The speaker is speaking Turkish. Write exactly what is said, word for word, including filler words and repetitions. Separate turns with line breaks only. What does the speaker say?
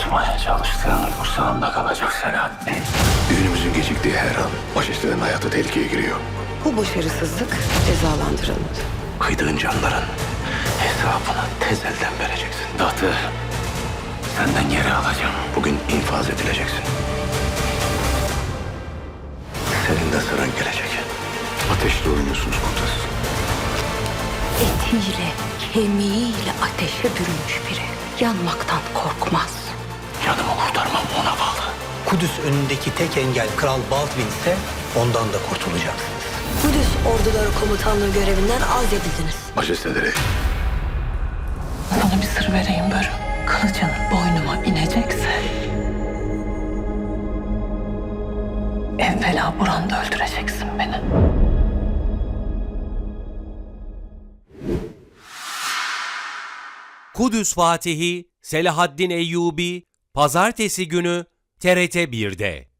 Unutmaya çalıştığın kursağında kalacak Selahattin.
Düğünümüzün geciktiği her an majestenin hayatı tehlikeye giriyor.
Bu başarısızlık cezalandırılmadı.
Kıydığın canların hesabını tez elden vereceksin. Tahtı senden geri alacağım.
Bugün infaz edileceksin. Senin de sıran gelecek. Ateşle oynuyorsunuz komutanım.
Etiyle, kemiğiyle ateşe bürünmüş biri yanmaktan korkmaz.
Canımı kurtarmam ona bağlı.
Kudüs önündeki tek engel Kral Baldwin ise ondan da kurtulacaksınız.
Kudüs orduları komutanlığı görevinden azledildiniz.
Majesteleri,
Sana bir sır vereyim Börü. Kılıcın boynuma inecekse evvela buranda öldüreceksin beni.
Kudüs Fatihi Selahaddin Eyyubi Pazartesi günü T R T bir'de.